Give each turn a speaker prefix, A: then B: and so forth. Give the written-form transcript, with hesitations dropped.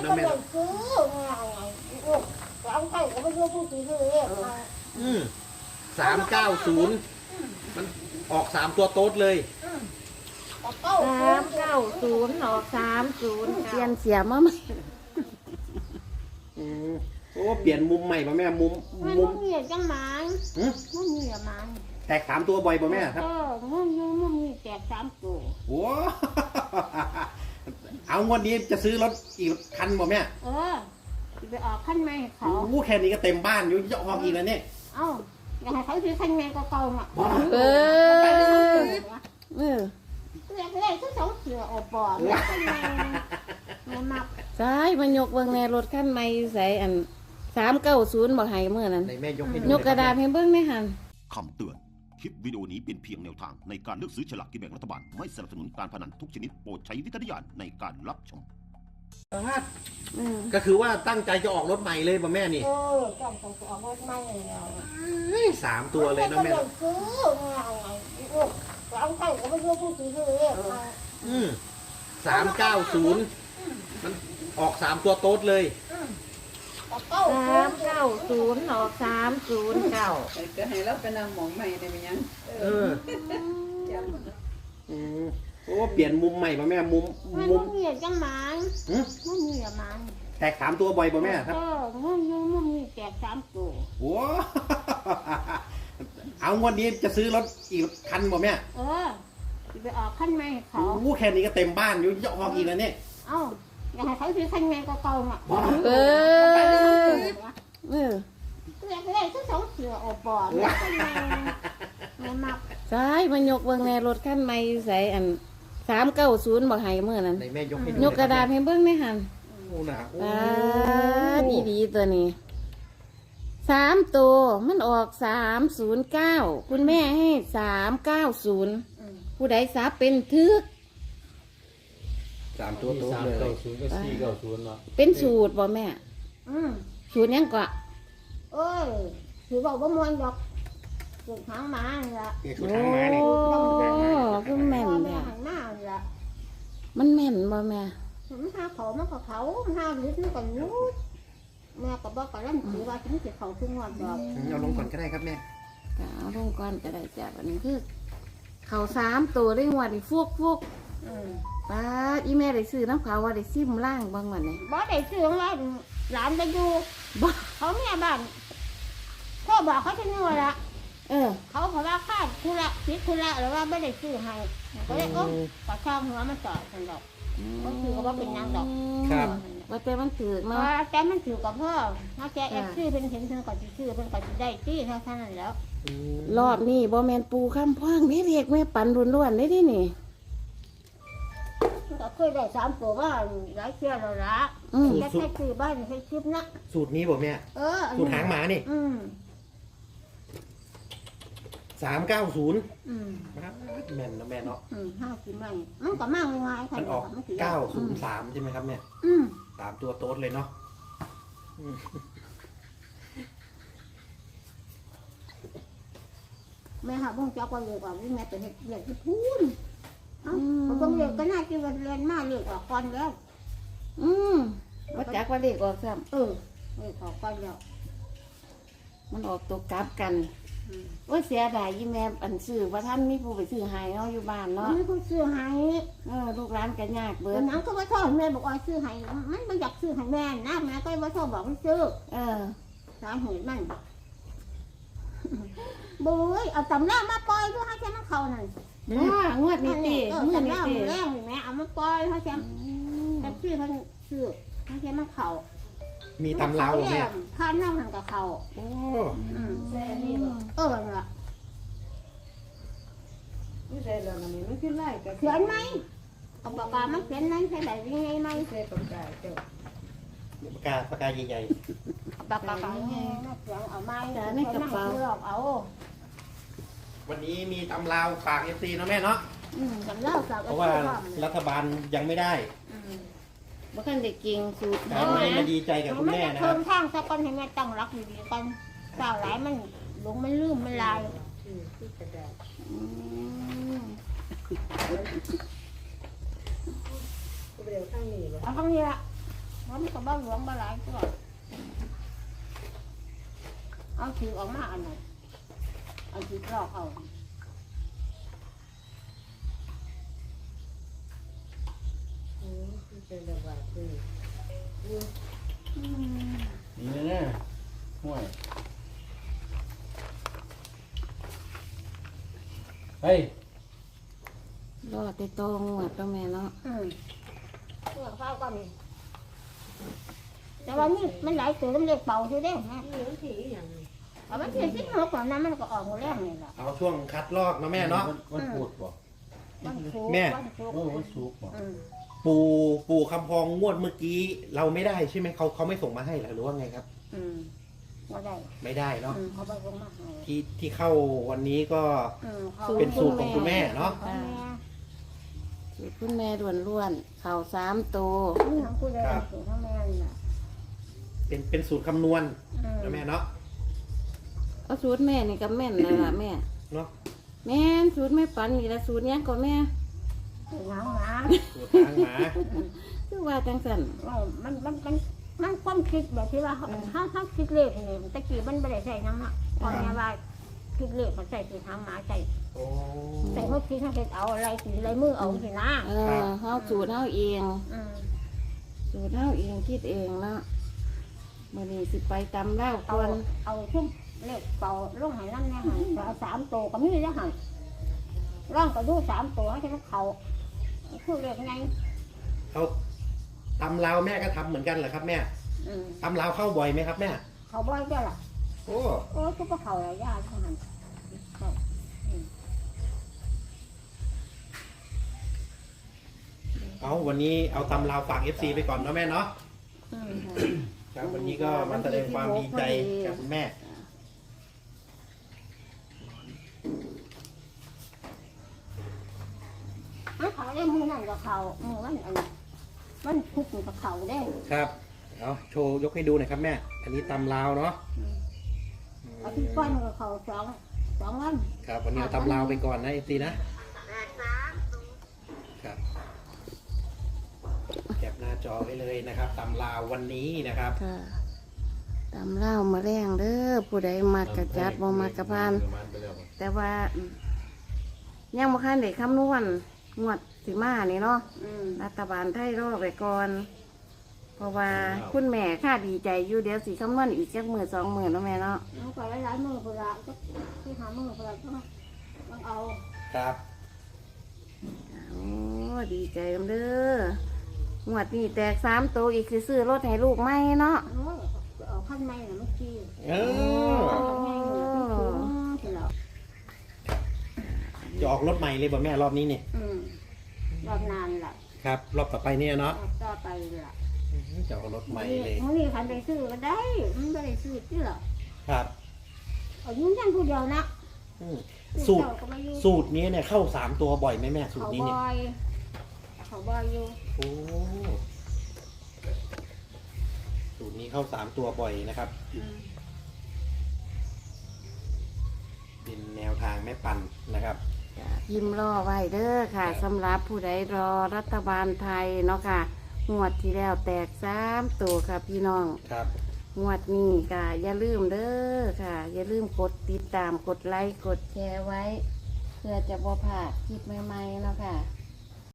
A: นะแม่ซื้อ3 ไก่ก็ไม่รู้ผู้ซื้อเลย
B: 390มันออก3 ตัวโต๊ดเลย
C: 390ออก30เปลี่ยนเสียมาไหม
B: โอ้เปลี่ยนมุมใหม่ป่ะแม่มุม
A: เหยียดจังหมันมันเหยียดมัน
B: แตก3 ตัวบ่อยป่ะแม่ครับ
A: มันมีแตก3 ตัว
B: โอ้เอางวดนี้จะซื้อรถอีกคันป่ะแม่
A: ไปออกขั้นใหม่เขา
B: แค่นี้ก็เต็มบ้านอยู่จะออกอีกแล้วเนี่ย
A: อยากให้เขาซื้อขั้นใหม่ก็เก่าอ่ะเลยทุกสองเสือออกบ่อไม่มัก
C: ใช่มันยกเบิ่งในรถคันใหม่ใส่อัน390บ่ให้เมื่อนั้นยกกระดาษให้เบิ่งได้หั่น
D: คำเตือนคลิปวิดีโอนี้เป็นเพียงแนวทางในการเลือกซื้อฉลากกินแบ่งรัฐบาลไม่สนับสนุนการพนันทุกชนิดโปรดใช้วิจารณญาณในการรับชม
B: ก็คือว่าตั้งใจจะออกรถใหม่เลยป่ะแม่นี่
A: ตั้งใจจะออกรถใหม่
B: 3 ตัวเลยนะแม่
A: ซื้อ3 ไก่ก็ไม่รู้ผู้ซื้อเลย
B: 390มันออก3 ตัวโต๊ดเลย
C: 390ออก309
E: ก็ให้เราไปนำหมองใหม่ได้ไหมยัง
B: โอ้เปลี่ยนมุมใหม่ป่ะแม่มุม
A: เหยียดจังหมันมันเหยียดมัน
B: แตก3 ตัวบ่อยป่ะแม่ครับ
A: มันมีแตก3 ตัว
B: โอ้เอางวดนี้จะซื้อรถอีกคันป่ะแม่
A: ไปออกขั้นใหม่เขา
B: แค่นี้ก็เต็มบ้านอยู่จะออกอีกแล้วเนี่ย
A: อยากให้เขาซื้อขั้นใหม่ก็เก่าอ่ะเลยทุกสองเสือออกบ่อไม่มัก
C: ใช่มันยกเบิ่งในรถคันใหม่ใส่อัน390บ่ให้เมื่อนั้นยกกระดาษให้เบิ่งได้หั่นดีตัวนี้3 ตัวมันออก309คุณแม่ให้390ผู้ใดซับเป็นทึก
B: 3 ตัวโต๊ดเลย
F: 390กับ490เนาะ
C: เป็นสูตรบ่แม่สูตรยังกว่า
A: ถือบอกว่ามวนดอกสูตรหางม้าละ
B: สูตรหางม้านี่
C: คือแม่นแม่
A: หางม้าละ
C: มันแม่นบ่แม่
A: มันหาเขามันก็เขามันหาลึกมันก็รู้แม่ก็บอกกับร่ำถือว่าถึงจะเขาถึงวันดอก
B: เอาลงก่อนก็ได้ครับแม่
C: เอาลงก่อนก็ได้จ้ะวันนี้คือเขา3 ตัวได้หัวดิฟุกป้าอีแม่ได้ซื้อน้ำขาวว่าได้ซิมล่างบางวันเนี่ย
A: บ่ได้ซื้อว่าหลานไปดูเขาแม่บ้านพ่อบอกเขาจะนู่นละเขาว่าค่าคุณละคิดคุณละหรือว่าไม่ได้ซื้อให้ก็เลยปะช่างหัวมันต่อกันดอกก็คือว่าเป็นนางดอก
B: ครับ
C: ว่าแต่มันถือเนาะ
A: แต่มันถือกับพ่อถ้าแกแอบซื้อเป็นเห็นเพิ่นก็จะซื้อเพิ่นก็จะได้ซื้อเท่านั้นแล้ว
C: รอบนี้บ่แม่นปูข้ามพ่างนี่เรียกแม่ปันล้วนๆได้ดินี่
A: ก็เคยได้3 ตัวว่าหลายเที่ยวแล้วละแค่ซื้อบ้านให้คลิปนะ
B: สูตรนี้บ่แม่สูตรหางหมานี่390แม่นนะแม่เนาะ
A: 50มันมันก็มากง่าย
B: มันออก903ใช่ไหมครับแม่3 ตัวโต๊ดเลยเนาะ
A: แม่หาบ้องจักว่าเลยว่าแม่เป็นเด็กที่พูนบ้องเด็กก็น่าจะเรียนมาเรียกออกก่อนแล้ว
C: ว่าจักว่าเด็กออกซ้ำ
A: เรียกออกก่อนแล้ว
C: มันออกตัวกลับกันว่าเสียดายยี่แม่อันซื้อว่าท่านมีผู้ไปซื้อให้เนาะอยู่บ้านเนาะ
A: มีผู้ซื้อให้
C: ลูกร้านกันยากเบิด
A: น้ำก็ว่าชอบแม่บอกว่าซื้อให้มันไม่อยากซื้อให้แม่นะแม่ก็ว่าชอบบอกให้ซื้อสาเหตุมันบุ้ยเอาตำรามาปล่อยด้วยให้แค่มันเขานั่น
C: งวดนี้ตี
A: ตำราหมูแรงแม่เอามาปล่อยให้แค่แต่ซื้อมันซื้อให้แค่มันเขา
B: มีตำราแม่
A: ข้านั่งหันกับเขานั่นแหละ
E: ไม่ใช่แล้วมันไม่ขึ้นไล่
A: เขียนไหมเอาปากกามันเขียนไหมใช่ไหมยังไงไหม
E: ใช่ปากกาเจ้า
B: ปากกาใหญ่
A: ๆปากกาใหญ่เขียนเอาไม้ในกระเป๋าเอา
B: วันนี้มีตำราฝาก FC เนาะแม่เนาะเพราะว่ารัฐบาลยังไม่ได้
C: บ่คันได้กินสูตร
B: มาดีใจกับคุณแม่นะครับ
A: เพิ่มข้างสักก้อนให้แม่ตั้งรักดีๆกันสาวหลายมันหลงมันลืมมันลาย
E: เร็วข้างนี้เลย
A: เอาข้างนี้ละเพราะมันก็บ้าหลวงบ้าหลายก็เอาถือออกมาอันไหนเอาถือลอกเอา
B: นี่แน่ห่วยเฮ้ย
C: รอดแต่ตองหมดแล้วแม่เนาะ
A: เพื่อข้าวก็มีแต่ว่านี่มันหลายตัวมันเล็กเป่าอยู่เด้ฮะเอามันเสียชิ้นหัวก่อนนั้นมันก็ออกหมดแล้วนี่แหละ
B: เอาช่วงคัดลอกนะแม่เนาะ
F: วันพูดบ่
A: มันสูง
B: แม่
A: มันสูง
F: โอ้วันสุกร์บ่
B: ปู่คำพองงวดเมื่อกี้เราไม่ได้ใช่ไหมเขาไม่ส่งมาให้เหรอหรือว่าไงครับ
A: ก็ได้
B: ไม่ได้เนาะ
A: เขาไปลงมาให้
B: ที่เข้าวันนี้ก็
A: ขา
B: เป็นสูตรของคุณแม่เนาะ
A: ของแม่
C: สูตรคุณแม่ล้วนๆเข่า3ตัว
A: นี่ของคุณเลยสูตรของแม่นี่น่ะ
B: เป็นสูตรคำนวณนะแม่เนาะ
C: เอาสูตรแม่นี่ก็แม่นเลยล่ะแม่
B: เนาะ
C: แม่นสูตรแม่ปันนี่ละสูตรเนี้ยก็แม่
A: สูตรหางหมา
B: สูตรทางหมา
C: คือว่าจังสัน
A: มันความคิดแบบที่ว่าเขาคิดเลขนี่ตะกี้มันไม่ได้ใส่น้ำอ่ะตอนนี้ว่าคิดเลขมันใส่สูตรหางหมาใส่
B: โอ้
A: ใส่พวกคิดทั้งเห็ดเอาอะไรสีอะไรมือเอาสินะ
C: เฮาสูตรเฮาเอง
A: อืม
C: สูตรเฮาเองคิดเองเนาะมื้อนี้สิไปตำเล่าว
A: เอา
C: ก่อน
A: เอาชุ่มเลขเป่าลงใหายนั่นเนี่ยหันเอา3 ตัวก็มีได้หันร่างก็ดู3 ตัวให้มันเขาคือเลขไง
B: เขาตำลาวแม่ก็ทำเหมือนกันเหรอครับแม่
A: อืม
B: ตำลาวเข้าบ่อยไหมครับแม่
A: เขาบ่อยเจ้าล่ะ
B: โอ้
A: โอ้ทุกเขาอะไรยากเท่านั้น
B: เอาวันนี้เอาตำลาวฝาก FC ไปก่อนเนาะแม่เนาะ
A: อืม
B: ครับวันนี้ก็มาแสดงความดีใจกับคุณแม่
A: เขาได้มือนั่นกับเขามือมันอันมันทุกข์กับเขาได้
B: ครับ เอาโชว์ยกให้ดูหน่อยครับแม่ อันนี้ตำลาวเนาะ
A: อาทิตย์ก้อนกับเขา2 วัน
B: ครับ วันนี้เอาตำลาวไปก่อนนะ FC นะครับแคปหน้าจอไว้เลยนะครับตำลาววันนี้นะครับ
C: ค่ะตำเล่าวมาแรงเด้อผู้ใดมากระจัดบ่มากระพาน แต่ว่ายังบ่คันได้คำนวณงวดสิมานี่เนาะ รัฐบาลไทยรอไปก่อน เพราะว่าคุณแม่ค่าดีใจอยู่เดี๋ยวสิคำนวณอีกจักมื้อ2 มื้อเนาะแม่เนาะ
A: เอาไปหลายมือเพื่อก็ที่หามือเพื่อต้องเอา
B: ครับ
C: โอ้ดีใจกันเด้องวดนี้แตก3 ตัวอีกคือซื้อรถให้ลูกใหม่เนาะ
A: เอาขั้นในน่ะเมื่อกี้
B: เออ
A: ที่เรา
B: จะออกรถใหม่เลยบ่แม่รอบนี้เนี่ย
A: รอบนานละ
B: ครับ รอบต่อไปเนี่ยเนาะ
A: ต่อไปละ
B: จะออกรถใหม่เลย
A: มันนี่คันไปซื้อก็ได้มันไม่ได้ซื้อที่หรอ
B: ครับ
A: เอายุ่งยันผู้เดียวนะ
B: อืมสูตรนี้เนี่ยเข้า3 ตัวบ่อยไหมแม่สูต
A: เขา
B: รนี้
A: บ
B: เนี่ย
A: อยเขาบอยอยู่
B: โอ้สูตรนี้เข้า3 ตัวบ่อยนะครับ เป็นแนวทางแม่ปันนะครับ
C: พิมพ์รอไว้เด้อค่ะสำหรับผู้ใดรอรัฐบาลไทยเนาะค่ะงวดที่แล้วแตก3 ตัวค่ะพี่น้อง
B: ครับ
C: งวดนี้ค่ะอย่าลืมเด้อค่ะ อย่าลืมกดติดตามกดไลค์กดแชร์ไว้ เพื่อจะบ่พลาดคลิปใหม่ๆเนาะค่ะ